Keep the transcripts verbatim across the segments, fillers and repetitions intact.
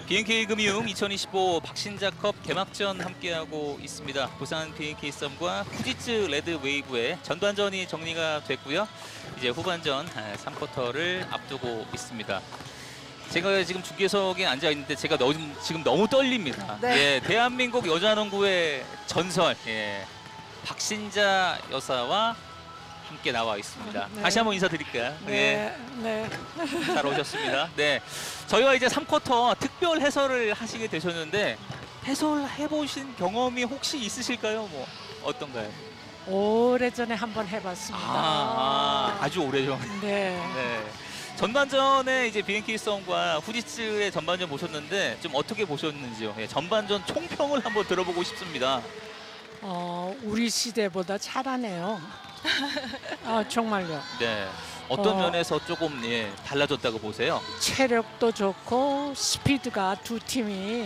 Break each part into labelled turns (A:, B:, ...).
A: 비엔케이 금융 이천이십오 박신자컵 개막전 함께하고 있습니다. 부산 비엔케이 썸과 후지츠 레드 웨이브의 전반전이 정리가 됐고요. 이제 후반전 삼 쿼터를 앞두고 있습니다. 제가 지금 중계석에 앉아 있는데 제가 너무, 지금 너무 떨립니다.
B: 네.
A: 예, 대한민국 여자농구의 전설 예, 박신자 여사와 함께 나와 있습니다.
B: 네.
A: 다시 한번 인사드릴까요?
B: 네,
A: 예.
B: 네.
A: 잘 오셨습니다. 네, 저희와 이제 삼 쿼터 특별 해설을 하시게 되셨는데 해설해 보신 경험이 혹시 있으실까요? 뭐 어떤가요?
B: 오래전에 한번 해봤습니다.
A: 아, 아, 아주 오래전.
B: 네.
A: 네. 전반전에 이제 비엔케이 썸과 후지츠의 전반전 보셨는데 좀 어떻게 보셨는지요? 예, 전반전 총평을 한번 들어보고 싶습니다.
B: 어, 우리 시대보다 잘하네요. 아, 정말요.
A: 네. 어떤
B: 어.
A: 면에서 조금 예, 달라졌다고 보세요?
B: 체력도 좋고 스피드가 두 팀이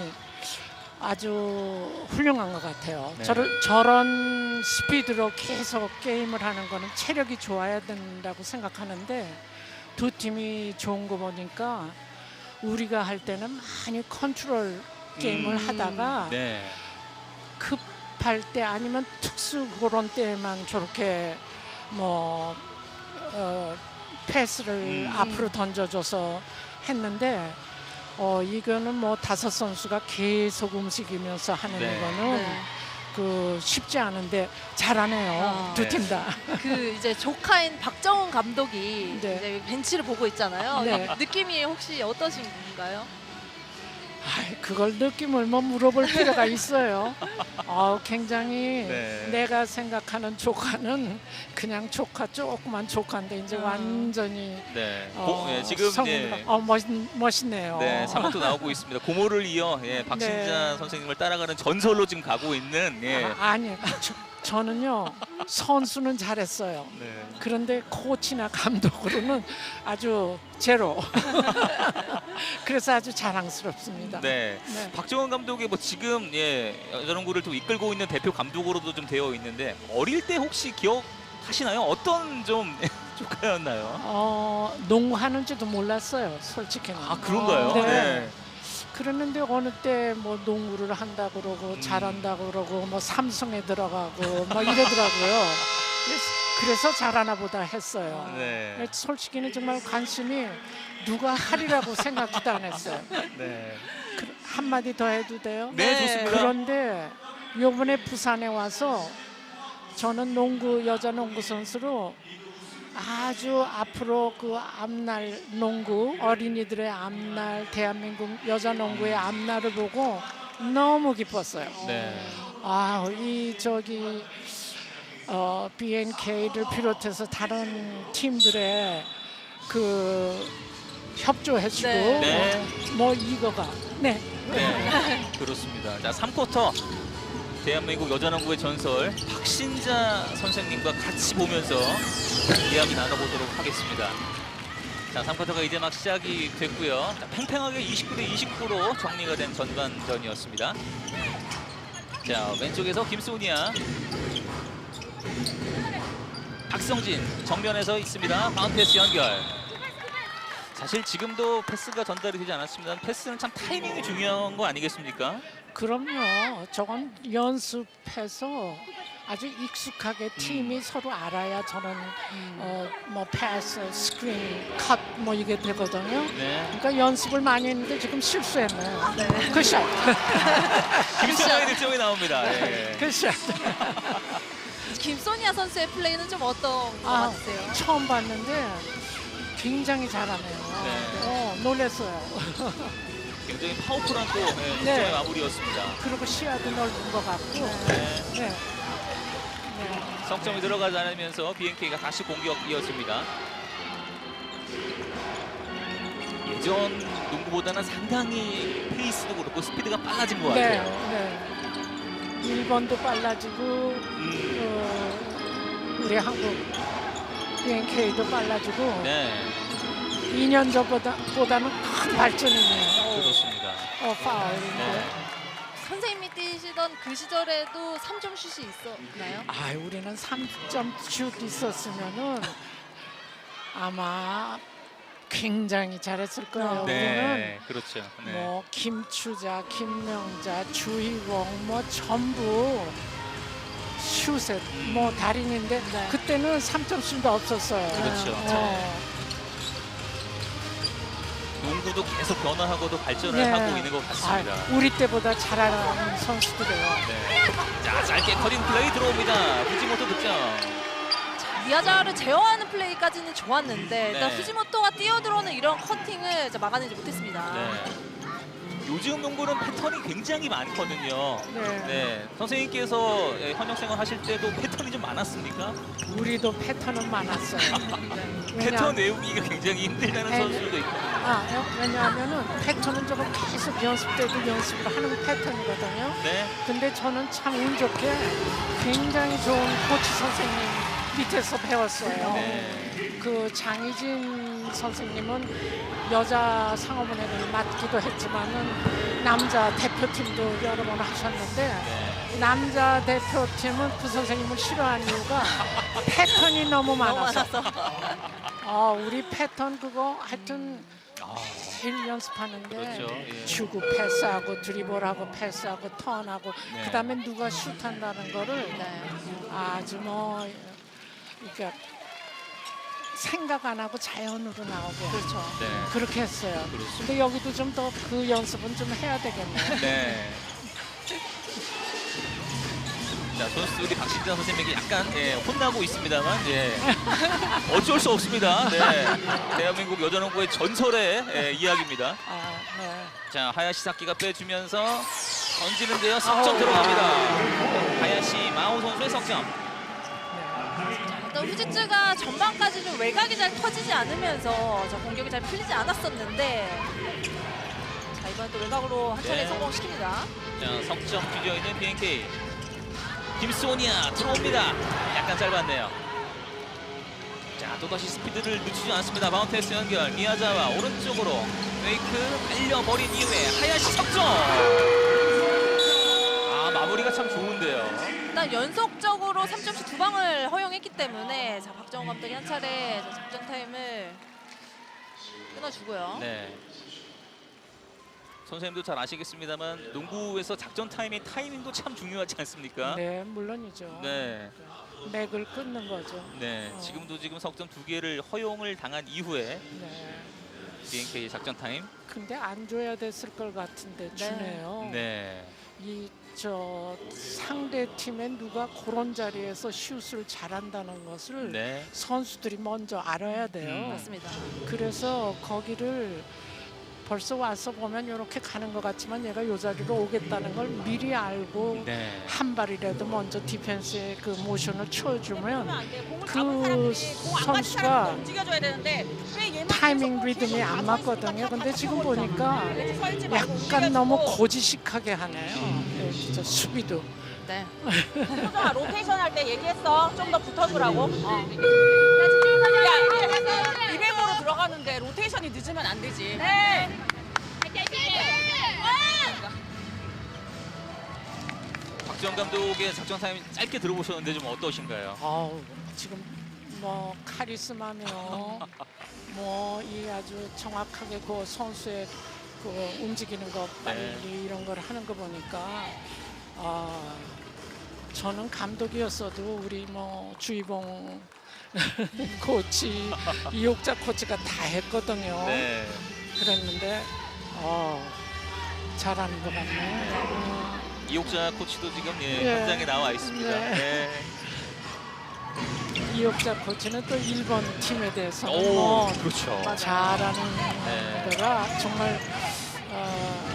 B: 아주 훌륭한 것 같아요.
A: 네.
B: 저를, 저런 스피드로 계속 게임을 하는 거는 체력이 좋아야 된다고 생각하는데 두 팀이 좋은 거 보니까 우리가 할 때는 많이 컨트롤 게임을
A: 음,
B: 하다가
A: 네.
B: 급할 때 아니면 특수 그런 때만 저렇게 뭐 어, 패스를
A: 음.
B: 앞으로 던져줘서 했는데 어, 이거는 뭐 다섯 선수가 계속 움직이면서 하는
A: 네.
B: 이거는
C: 네.
B: 그 쉽지 않은데 잘하네요.
C: 아.
B: 두 팀 다.
C: 그 이제 조카인 박정훈 감독이
B: 네.
C: 이제 벤치를 보고 있잖아요.
B: 네.
C: 느낌이 혹시 어떠신가요?
B: 아이, 그걸 느낌을 뭐 물어볼 필요가 있어요. 어, 굉장히
A: 네.
B: 내가 생각하는 조카는 그냥 조카 조그만 조카인데 이제
C: 아.
B: 완전히
A: 네.
B: 어,
A: 고, 예, 지금
B: 성인으로-
A: 예,
B: 어, 멋있, 멋있네요.
A: 네, 삼 쿼터 나오고 있습니다. 고모를 이어 예, 박신자
B: 네.
A: 선생님을 따라가는 전설로 지금 가고 있는 예.
B: 아, 아니, 저, 저는요 선수는 잘했어요.
A: 네.
B: 그런데 코치나 감독으로는 아주 제로. 그래서 아주 자랑스럽습니다.
A: 네.
B: 네.
A: 박정원 감독이 뭐 지금 예, 여자농구를 또 이끌고 있는 대표 감독으로도 좀 되어 있는데 어릴 때 혹시 기억하시나요? 어떤 좀 조카였나요?
B: 어, 농구하는지도 몰랐어요, 솔직히는.
A: 아 그런가요?
B: 네.
A: 네.
B: 그랬는데 어느 때 뭐 농구를 한다 그러고
A: 음.
B: 잘한다 그러고 뭐 삼성에 들어가고 뭐 이러더라고요. 그래서, 그래서 잘하나 보다 했어요.
A: 네.
B: 솔직히는 정말 관심이 누가 하리라고 생각도 안 했어요.
A: 네.
B: 그, 한마디 더 해도 돼요?
A: 네,
C: 네.
A: 좋습니다.
B: 그런데 요번에 부산에 와서 저는 농구 여자 농구 선수로 아주 앞으로 그 앞날 농구 어린이들의 앞날 대한민국 여자 농구의 앞날을 보고 너무 기뻤어요.
A: 네.
B: 아, 이 저기 어, 비엔케이를 비롯해서 다른 팀들의 그 협조해주고
C: 네.
A: 네.
B: 뭐 이거가 네.
A: 네. 그렇습니다. 자, 삼 쿼터 대한민국 여자농구의 전설 박신자 선생님과 같이 보면서 이야기 나눠보도록 하겠습니다. 자, 삼 쿼터가 이제 막 시작이 됐고요. 자, 팽팽하게 이십구 대 이십구로 정리가 된 전반전이었습니다. 자, 왼쪽에서 김소니아, 박성진 정면에서 있습니다. 바운드 패스 연결. 사실 지금도 패스가 전달이 되지 않았습니다. 패스는 참 타이밍이 중요한 거 아니겠습니까?
B: 그럼요. 저건 연습해서 아주 익숙하게 팀이 서로 알아야 저런 어, 뭐 패스, 스크린, 컷 뭐 이게 되거든요.
A: 네.
B: 그러니까 연습을 많이 했는데 지금 실수했네요.
C: 네.
B: 굿샷.
A: 김소니아의 득점이 나옵니다. 예.
B: 굿샷.
C: 김소니아 선수의 플레이는 좀 어떤 것
B: 아,
C: 같으세요?
B: 처음 봤는데 굉장히 잘하네요.
A: 네.
B: 어, 놀랐어요.
A: 굉장히 파워풀한 또 예, 득점의
B: 네.
A: 마무리였습니다.
B: 그리고 시야도 넓은 것 같고.
A: 네.
B: 네. 네.
A: 석점이 들어가지 않으면서 비엔케이가 다시 공격 이어집니다. 예전 농구보다는 상당히 페이스도 그렇고 스피드가 빨라진 것
B: 네.
A: 같아요.
B: 네. 일 번도 빨라지고
A: 음,
B: 어, 우리 한국 비엔케이도 빨라지고
A: 네,
B: 이 년 전보다 보다는 큰 발전이네요.
A: 그렇습니다.
B: 어, 파울인데.
A: 네.
C: 선생님이 뛰시던 그 시절에도 삼 점 슛이 있었나요?
B: 아, 우리는 삼 점 슛 있었으면은 아마 굉장히 잘했을 거예요. 우리는
A: 네, 그렇죠. 네.
B: 뭐 김추자, 김명자, 주희봉 뭐 전부 슛에 뭐 달인인데
C: 네.
B: 그때는 삼 점슛도 없었어요.
A: 그렇죠.
B: 어.
A: 농구도 계속 변화하고도 발전을
B: 네.
A: 하고 있는 것 같습니다.
B: 아, 우리 때보다 잘하는 선수들이에요.
A: 네. 자, 짧게 커팅 플레이 들어옵니다. 후지모토 득점.
C: 미야자를 제어하는 플레이까지는 좋았는데 일단
A: 네.
C: 후지모토가 뛰어들어오는 이런 커팅을 이제 막아내지 못했습니다.
A: 네. 요즘 농구는 패턴이 굉장히 많거든요.
B: 네.
A: 네, 선생님께서 예, 현역 생활 하실 때도 패턴이 좀 많았습니까?
B: 우리도 패턴은 많았어요.
A: 패턴 외우기가 굉장히 힘들다는
B: 네.
A: 선수도 있고.
B: 아, 왜냐하면은 패턴은 저거 계속 연습 때도 연습을 하는 패턴이거든요.
A: 네,
B: 근데 저는 참 운 좋게 굉장히 좋은 코치 선생님 밑에서 배웠어요.
A: 네.
B: 그 장희진 선생님은 여자 상업은행을 맡기도 했지만은 남자 대표팀도 여러 번 하셨는데
A: 네.
B: 남자 대표팀은 그 선생님을 싫어하는 이유가 패턴이 너무
C: 너무
B: 많아서.
C: 많아서.
B: 아, 우리 패턴 그거 하여튼
A: 아,
B: 매일 연습하는데
A: 그렇죠. 예.
B: 주고 패스하고 드리블하고 패스하고 턴하고
A: 네.
B: 그다음에 누가 슛한다는 거를
C: 네.
B: 아주 뭐 그러니까 생각 안 하고 자연으로 나오게
C: 그렇죠.
A: 네.
B: 그렇게 했어요.
A: 그렇습니다.
B: 근데 여기도 좀 더 그 연습은 좀 해야 되겠네요.
A: 네. 자, 선수들이 박신장 선생님에게 약간 예, 혼나고 있습니다만 예, 어쩔 수 없습니다. 네. 대한민국 여자농구의 전설의 예, 이야기입니다.
B: 아, 네.
A: 자, 하야시 사키가 빼주면서 던지는데요. 석점
B: 아우.
A: 들어갑니다. 하야시 마오 선수의 석점.
B: 네.
C: 일단 후지츠가 전반까지 좀 외곽이 잘 터지지 않으면서 저 공격이 잘 풀리지 않았었는데 자 이번 또 외곽으로 한 차례
A: 네.
C: 성공시킵니다.
A: 자, 석점 뒤져 있는 비엔케이. 김소니아 들어옵니다. 약간 짧았네요. 자, 또다시 스피드를 늦추지 않습니다. 마운트에스 연결. 미야자와 오른쪽으로 페이크 날려버린 이후에 하야시 석점. 아, 마무리가 참 좋은데요.
C: 일단 연속적으로 삼 점씩 두 방을 허용했기 때문에 자 박정호 감독이 한 차례 저 작전 타임을 끊어주고요.
A: 네. 선생님도 잘 아시겠습니다만 농구에서 작전 타임의 타이밍도 참 중요하지 않습니까?
B: 네, 물론이죠.
A: 네.
B: 맥을 끊는 거죠.
A: 네.
B: 어.
A: 지금도 지금 석점 두 개를 허용을 당한 이후에
B: 네.
A: 비엔케이 작전 타임.
B: 근데 안 줘야 됐을 것 같은데 주네요.
A: 네.
B: 이 저 상대 팀에 누가 그런 자리에서 슛을 잘한다는 것을
A: 네.
B: 선수들이 먼저 알아야 돼요.
A: 음.
C: 맞습니다.
B: 그래서 거기를 벌써 와서 보면 이렇게 가는 것 같지만 얘가 요 자리로 오겠다는 걸 미리 알고
A: 네.
B: 한 발이라도 먼저 디펜스의 그 모션을 쳐주면
D: 그
B: 그 선수가
D: 움직여줘야 되는데 왜 얘만
B: 타이밍
D: 계속
B: 리듬이
D: 계속
B: 안
D: 서
B: 맞거든요.
D: 있어?
B: 근데
D: 다
B: 지금
D: 쳐버리잖아.
B: 보니까
D: 이렇게 서 있지 말고
B: 약간
D: 움직여주고.
B: 너무 고지식하게 하네요. 네, 진짜 수비도.
C: 네.
D: 효정아 로테이션 할 때 얘기했어. 좀 더 붙어주라고. 어. 야, 이백으로 들어가는데 로테이션이 늦으면 안 되지. 네.
A: 박지원 감독의 작전 타임 짧게 들어보셨는데 좀 어떠신가요?
B: 아우, 지금 뭐 카리스마며 뭐 이 아주 정확하게 그 선수의 그 움직이는 거 빨리
A: 네.
B: 이런 걸 하는 거 보니까 아 저는 감독이었어도 우리 뭐 주희봉 코치 이옥자 코치가 다 했거든요.
A: 네.
B: 그랬는데 어 잘하는 것 같네. 어,
A: 이옥자 코치도 지금 예,
B: 네.
A: 현장에 나와 있습니다.
B: 네.
A: 네.
B: 이옥자 코치는 또 일본 팀에 대해서는
A: 오,
B: 뭐
A: 그렇죠.
B: 잘하는
A: 네.
B: 데가 정말 어,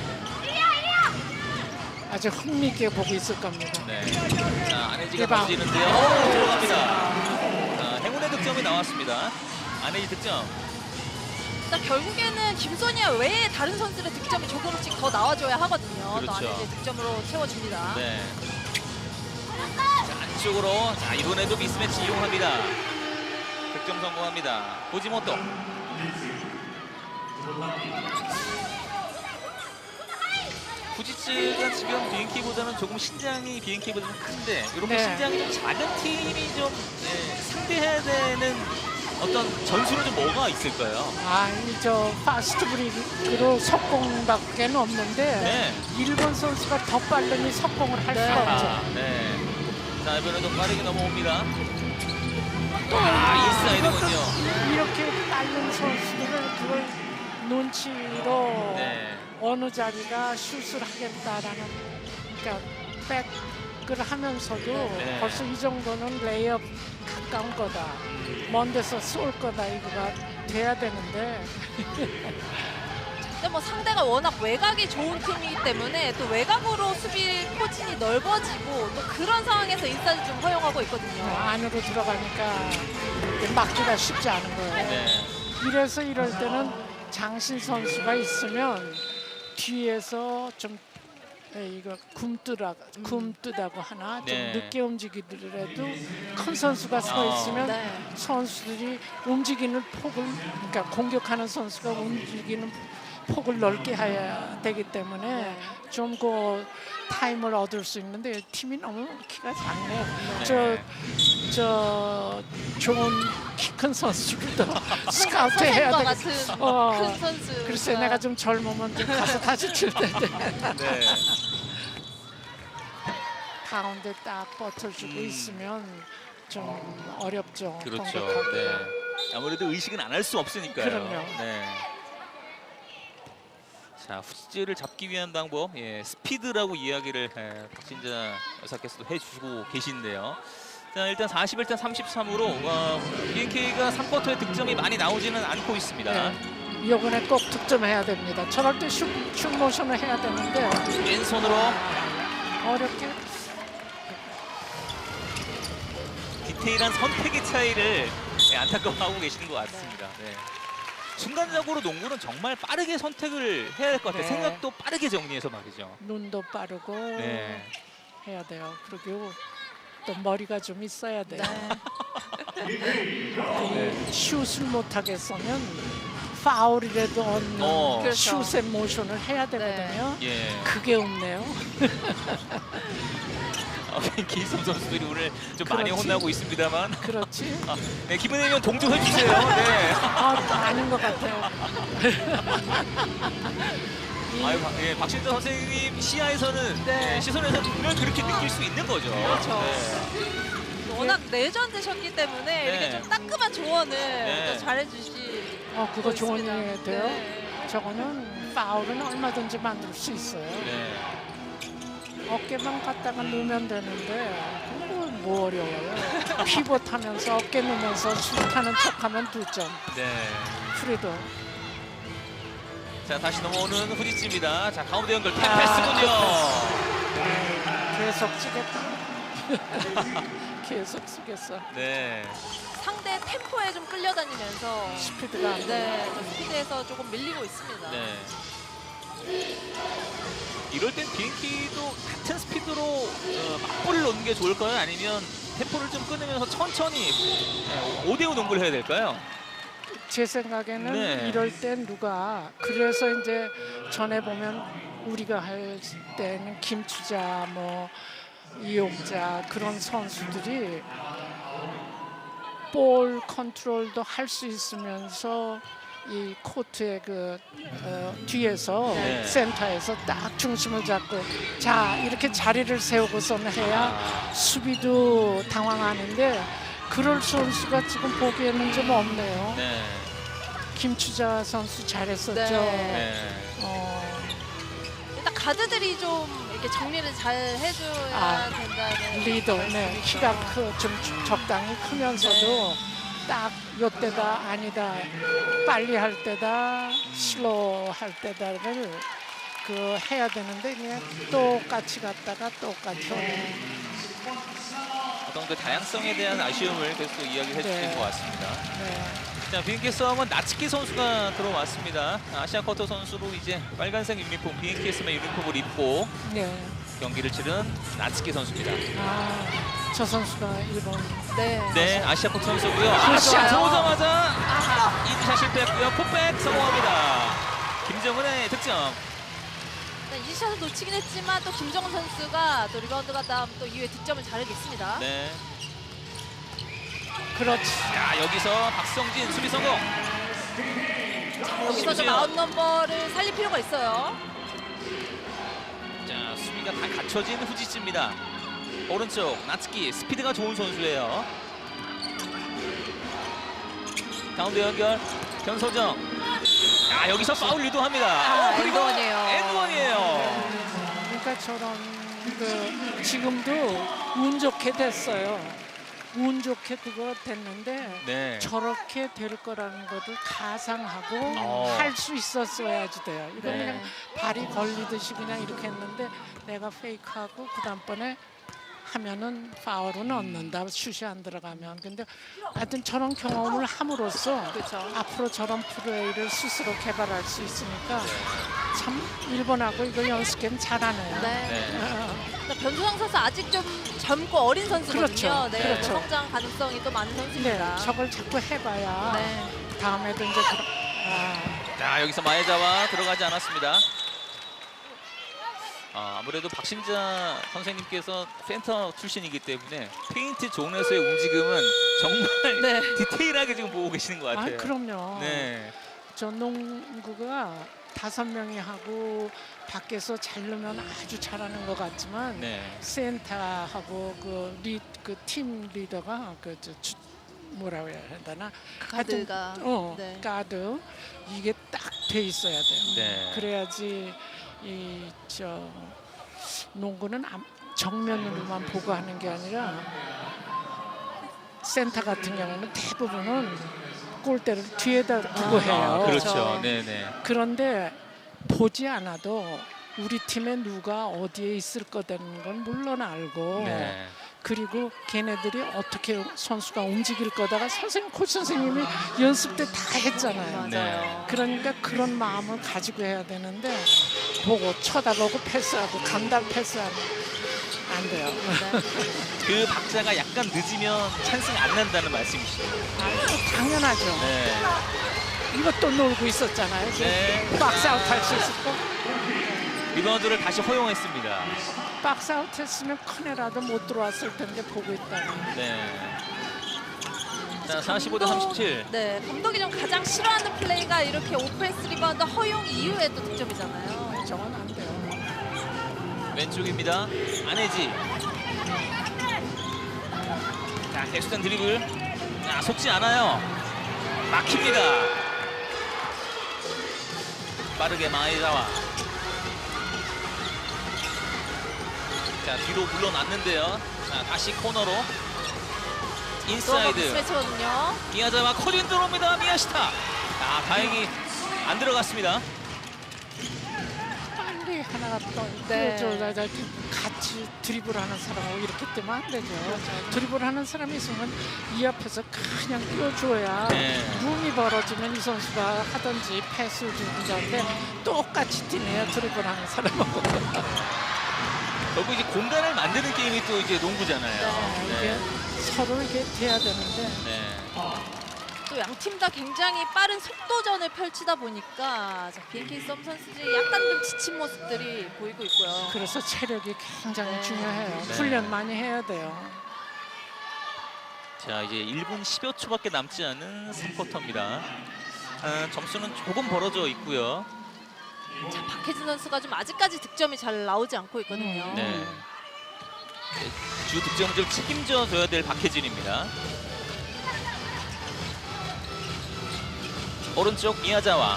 B: 아주 흥미있게 보고 있을 겁니다.
A: 네. 자, 안혜지가
B: 대박.
A: 던지는데요. 오, 들어갑니다. 자, 행운의 득점이 나왔습니다. 안혜지 득점.
C: 일단 결국에는 김소니아 외에 다른 선수들의 득점이 조금씩 더 나와줘야 하거든요. 또
A: 그렇죠.
C: 안에 이제 득점으로 채워줍니다.
A: 네. 자, 안쪽으로. 자, 이번에도 미스매치 이용합니다. 득점 성공합니다. 후지모토. 후지츠가 지금 비엔키보다는 조금 신장이 비엔키보다 좀 큰데 이렇게
B: 네.
A: 신장이 좀 작은 팀이 좀 예, 상대해야 되는 어떤 전술은 좀 뭐가 있을까요?
B: 아니 저 파스트 브레이크로 속공밖에 없는데
A: 네.
B: 일본 선수가 더 빠르니 속공을 할
C: 네.
B: 수가
A: 아,
B: 없죠.
A: 네. 자, 이번에 좀 빠르게 넘어옵니다.
B: 또
A: 아, 인사이드군요.
B: 이렇게 빠른 선수들을 그걸 눈치로
A: 네.
B: 어느 자리가 슛을 하겠다라는 그러니까 백을 하면서도
A: 네.
B: 벌써 이 정도는 레이업 가까운 거다. 먼 데서 쏠 거다 이거가 돼야 되는데
C: 근데 뭐 상대가 워낙 외곽이 좋은 팀이기 때문에 또 외곽으로 수비 포진이 넓어지고 또 그런 상황에서 인사이드 좀 허용하고 있거든요.
B: 안으로 들어가니까 막기가 쉽지 않은 거예요.
A: 네.
B: 이래서 이럴 때는 장신 선수가 있으면 뒤에서 좀 에, 이거 굼뜨라 굼뜨다고 하나 좀
A: 네.
B: 늦게 움직이더라도 큰 선수가 서
A: 어.
B: 있으면
C: 네.
B: 선수들이 움직이는 폭을 그러니까 공격하는 선수가 움직이는 폭을 넓게 해야 되기 때문에
C: 네.
B: 좀 그 타임을 얻을 수 있는데 팀이 너무 키가 작네요.
A: 네.
B: 저, 저 좋은 키 큰 선수들도 스카우트 해야
C: 선생과
B: 되겠
C: 같은
B: 어,
C: 큰 선수.
B: 글쎄 내가 좀 젊으면 좀 가서 다시 칠 텐데
A: 네.
B: 가운데 딱 버텨주고
A: 음.
B: 있으면 좀 어렵죠.
A: 그렇죠.
B: 공격하기가.
A: 네. 아무래도 의식은 안 할 수 없으니까요.
B: 그럼요.
A: 네. 자, 후지를 잡기 위한 방법, 예, 스피드라고 이야기를 예, 박신자 여사께서도 해주고 계신데요. 자, 일단 사십일 대 삼십삼으로 어, 비엔케이가 삼 쿼터에 득점이 많이 나오지는 않고 있습니다.
B: 네. 이번에 꼭 득점해야 됩니다. 저럴 때 슛, 슛 모션을 해야 되는데
A: 왼손으로
B: 어렵게
A: 디테일한 선택의 차이를 예, 안타까워하고 계시는 것 같습니다. 네. 순간적으로 농구는 정말 빠르게 선택을 해야 될 것 같아요.
B: 네.
A: 생각도 빠르게 정리해서 말이죠.
B: 눈도 빠르고
A: 네.
B: 해야 돼요. 그리고 또 머리가 좀 있어야 돼요. 이 슛을 못하게 쏘면 파울이라도 얻는
A: 어.
C: 그렇죠.
B: 슛의 모션을 해야 되거든요.
A: 예.
B: 그게 없네요.
A: 어, 기성 선수들이 오늘 좀 많이
B: 그렇지.
A: 혼나고 있습니다만.
B: 그렇지?
A: 아, 네, 기분 내면 동조해 주세요. 네.
B: 아, 아닌 것 같아요. 이-
A: 아유, 박- 예, 박신자 선생님 시야에서는
C: 네.
A: 예, 시선에서 분명 그렇게 느낄 수 있는 거죠.
C: 그렇죠.
A: 네.
C: 워낙 레전드셨기 때문에
A: 네.
C: 이렇게 좀 따끔한 조언을
A: 네.
C: 또 잘해주시.
B: 어, 그거 좋은
C: 있습니다.
B: 일이 돼요.
C: 네.
B: 저거는 파울은 얼마든지 만들 수 있어요.
A: 네.
B: 어깨만 갖다가 넣으면 되는데 그거 뭐 어려워요. 피벗하면서 어깨 넣으면서 슛하는 척하면 두 점.
A: 네.
B: 프리도.
A: 자, 다시 넘어오는 후지치입니다. 자, 가운데 연결
B: 아,
A: 패스군요.
B: 계속 쓰겠다. 계속 쓰겠어.
A: 네.
C: 상대 템포에 좀 끌려다니면서
B: 스피드가 안 돼.
C: 네, 좀 스피드에서 조금 밀리고 있습니다.
A: 네. 이럴 땐 비행기도 같은 스피드로 어, 맞불을 놓는 게 좋을까요? 아니면 템포를 좀 끊으면서 천천히 오 대 오 농구를 해야 될까요?
B: 제 생각에는
A: 네.
B: 이럴 땐 누가 그래서 이제 전에 보면 우리가 할 때는 김추자 뭐 이용자 그런 선수들이 볼 컨트롤도 할 수 있으면서 이 코트의 그 어, 뒤에서
A: 네.
B: 센터에서 딱 중심을 잡고 자 이렇게 자리를 세우고서는 해야
A: 아,
B: 수비도 당황하는데 그럴 선수가 지금 보기에는 좀 없네요.
A: 네.
B: 김추자 선수 잘했었죠.
C: 네.
A: 네.
B: 어,
C: 일단 가드들이 좀 이렇게 정리를 잘 해줘야
B: 아,
C: 된다는
B: 리더, 네,
C: 말씀이시죠.
B: 키가 크, 좀 적당히 크면서도 딱 요때다 아니다, 빨리 할 때다, 슬로우 할 때다를 그 해야 되는데 그냥 똑같이 갔다가 똑같이 오네.
A: 어떤 그 다양성에 대한 아쉬움을 계속 이야기해 주신
B: 네.
A: 것 같습니다.
B: 네.
A: 자, 비엔케이 싸움은 나츠키 선수가 들어왔습니다. 아시아 쿼터 선수로 이제 빨간색 유니폼, 비엔케이 스마 유니폼을 입고
B: 네.
A: 경기를 치른 나츠키 선수입니다.
B: 아, 저 선수가 일본.
C: 네.
A: 네, 아시아 쿼터 선수고요. 아,
B: 그렇죠.
A: 샷 들어오자마자 이차 실패했고요. 풋백 성공합니다. 김정은의 득점.
C: 이 샷을 놓치긴 했지만 또 김정은 선수가 또 리바운드가 다음 또 이후에 득점을 잘하고 있습니다.
A: 네.
B: 그렇지.
A: 자, 여기서 박성진 수비 성공.
C: 자, 여기서 좀
A: 심지어.
C: 아웃 넘버를 살릴 필요가 있어요.
A: 자, 수비가 다 갖춰진 후지츠입니다. 오른쪽 나츠키 스피드가 좋은 선수예요. 가운데 연결 변소정. 아, 여기서 파울 유도합니다.
C: 아,
A: 어, 그리고
C: 엔드원이에요.
A: 엔드원이에요.
B: 그러니까 저런 그 지금도 운 좋게 됐어요. 운 좋게 그거 됐는데
A: 네.
B: 저렇게 될 거라는 것을 가상하고
A: 어.
B: 할 수 있었어야지 돼요. 이건
A: 네.
B: 그냥 발이 걸리듯이 그냥 이렇게 했는데 내가 페이크하고 그 다음번에 하면은 파울은 얻는다. 슛이 안 들어가면. 근데 하여튼 저런 경험을 함으로써
C: 그렇죠.
B: 앞으로 저런 플레이를 스스로 개발할 수 있으니까 참 일본하고 이거 연습 게임 잘하네요.
C: 네.
A: 네.
B: 어,
C: 변소정 선수 아직 좀 젊고 어린 선수거든요.
B: 그렇죠.
C: 네,
B: 그렇죠.
C: 성장 가능성이 또 많은
B: 네,
C: 선수입니다.
B: 저걸 자꾸 해봐야
C: 네.
B: 다음에도 이제 그런 아,
A: 자, 여기서 마에자와 들어가지 않았습니다. 아, 아무래도 박신자 선생님께서 센터 출신이기 때문에 페인트 존에서의 움직임은 정말
C: 네.
A: 디테일하게 지금 보고 계시는 것
B: 아,
A: 같아요.
B: 그럼요.
A: 네.
B: 저 농구가 다섯 명이 하고 밖에서 잘 넣으면 아주 잘하는 것 같지만
A: 네.
B: 센터하고 그 팀 리더가 그 저, 주- 뭐라고 해야 되나 하여튼,
C: 가드가
B: 어
C: 네.
B: 가드 이게 딱 돼 있어야 돼요.
A: 네.
B: 그래야지 이 저 농구는 암- 정면으로만 보고 하는 게 아니라 센터 같은 경우는 대부분은 골대를 뒤에다 두고
C: 아,
B: 해요.
A: 아, 그렇죠.
C: 그렇죠.
A: 네, 네.
B: 그런데 보지 않아도 우리 팀에 누가 어디에 있을 거라는 건 물론 알고
A: 네.
B: 그리고 걔네들이 어떻게 선수가 움직일 거다가 선생님 코치 선생님이 연습 때 다 했잖아요.
C: 맞아요.
B: 그러니까 그런 마음을 가지고 해야 되는데 보고 쳐다보고 패스하고 간다 패스하고 안 돼요.
C: 네.
A: 그 박자가 약간 늦으면 찬스가 안 난다는 말씀이시죠?
B: 아, 당연하죠.
A: 네.
B: 이것도 놀고 있었잖아요.
A: 네.
B: 박스아웃 할 수 있을 거.
A: 리바운드를 다시 허용했습니다.
B: 박스아웃 했으면 큰애라도 못 들어왔을 텐데 보고 있다가.
A: 네. 자, 사십오 대 삼십칠.
C: 네, 감독이 좀 가장 싫어하는 플레이가 이렇게 오펜스 리바운드 허용 이후에 또 득점이잖아요.
B: 저건 안 돼요.
A: 왼쪽입니다. 안혜지. 자, 객수단 드리블. 자, 속지 않아요. 막힙니다. 빠르게 마에자와. 자, 뒤로 물러났는데요. 자, 다시 코너로.
C: 또
A: 인사이드.
C: 스매치거든요.
A: 미야자와 코린 들어옵니다. 미야시타. 아, 다행히 안 들어갔습니다.
B: 빨리 하나가 또
C: 네.
B: 저, 저, 저, 같이 드리블하는 사람하고 이렇게 뜨면 안 되죠. 드리블하는 사람이 있으면 이 앞에서 그냥 띄워줘야
A: 네.
B: 룸이 벌어지면 이 선수가 하든지 패스를 주든지 하는데 똑같이 뛰네요. 드리블하는 사람하고.
A: 결국 이제 공간을 만드는 게임이 또 이제 농구잖아요.
B: 네, 이게 서로 이게 돼야 되는데
A: 네.
C: 또 양 팀 다 굉장히 빠른 속도전을 펼치다 보니까 자, 비엔케이 썸 선수들이 약간 좀 지친 모습들이 보이고 있고요.
B: 그래서 체력이 굉장히
C: 네.
B: 중요해요.
A: 네.
B: 훈련 많이 해야 돼요.
A: 자, 이제 일 분 십여 초밖에 남지 않은 삼 쿼터입니다. 아, 점수는 조금 벌어져 있고요.
C: 자, 박혜진 선수가 좀 아직까지 득점이 잘 나오지 않고 있거든요.
A: 네. 주 득점을 좀 책임져 줘야 될 박혜진입니다. 오른쪽 미야자와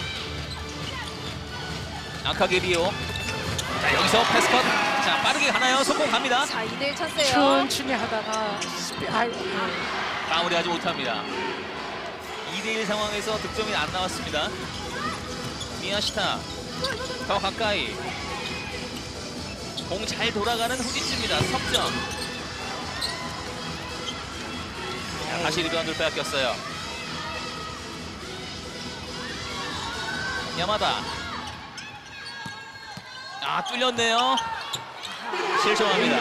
A: 아카게리오. 자, 여기서 패스컷. 자, 빠르게 가나요? 성공 갑니다.
C: 자, 이 대 일 찬스예요.
B: 천천히 하다가 스피, 아이,
A: 마무리하지 못합니다. 이 대 일 상황에서 득점이 안 나왔습니다. 미야시타 더 가까이. 공 잘 돌아가는 후지츠입니다. 석점. 자, 다시 리바운드를 빼앗겼어요. 야마다. 아, 뚫렸네요. 실점합니다.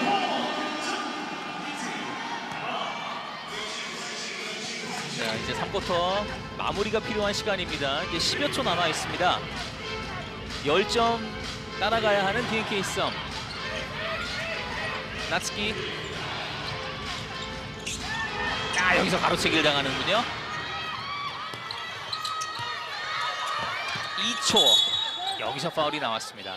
A: 자, 이제 삼 쿼터 마무리가 필요한 시간입니다. 이제 십여 초 남아 있습니다. 십 점 따라가야 하는 비엔케이 썸. 나츠키. 자, 아, 여기서 가로채기를 당하는군요. 이 초. 여기서 파울이 나왔습니다.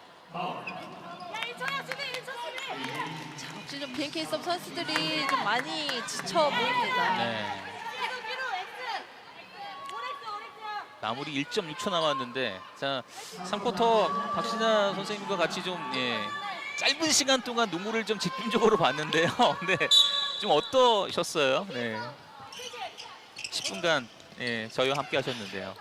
C: 자, 혹시 좀 비엔케이 섭 선수들이 좀 많이 지쳐 보입니다.
A: 네. 마무리 일 점 육 초 남았는데, 자, 삼 쿼터 박신자 선생님과 같이 좀 예, 짧은 시간 동안 눈물을 좀 집중적으로 봤는데요. 네, 좀 어떠셨어요? 네, 십 분간 예, 저희와 함께 하셨는데요.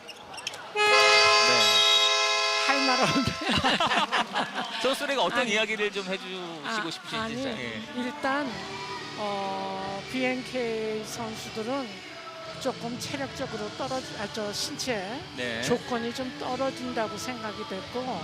A: 네,
B: 할 말 없는데.
A: 선수들에게 어떤
B: 아니,
A: 이야기를 좀 해주시고
B: 아,
A: 싶으신지.
B: 아니,
A: 예.
B: 일단 어, 비엔케이 선수들은 조금 체력적으로 떨어지, 아, 저 신체
A: 네.
B: 조건이 좀 떨어진다고 생각이 됐고,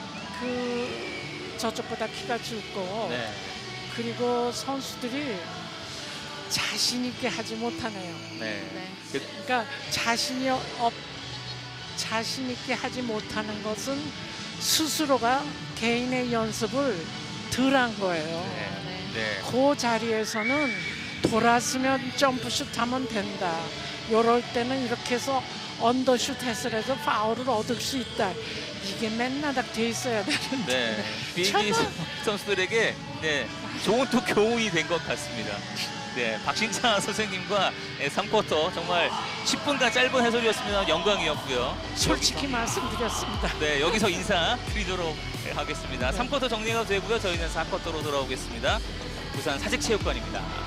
B: 그 저쪽보다 키가 줄고,
A: 네.
B: 그리고 선수들이 자신 있게 하지 못하네요.
A: 네.
C: 네.
A: 그,
B: 그러니까 자신이 없, 자신 있게 하지 못하는 것은 스스로가 개인의 연습을 덜 한 거예요.
A: 네.
C: 네.
A: 네.
B: 그 자리에서는 돌았으면 점프슛 하면 된다. 요럴 때는 이렇게 해서 언더슛 해서 해서 파울을 얻을 수 있다. 이게 맨날 다 돼 있어야 되는데.
A: 네. 비행기 선수들에게 네, 좋은 또 교훈이 된 것 같습니다. 네, 박신자 선생님과 네, 삼 쿼터 정말 십 분간 짧은 해설이었습니다. 영광이었고요.
B: 솔직히 말씀드렸습니다.
A: 네, 여기서 인사드리도록 하겠습니다. 삼 쿼터 정리가 되고요. 저희는 사 쿼터로 돌아오겠습니다. 부산 사직체육관입니다.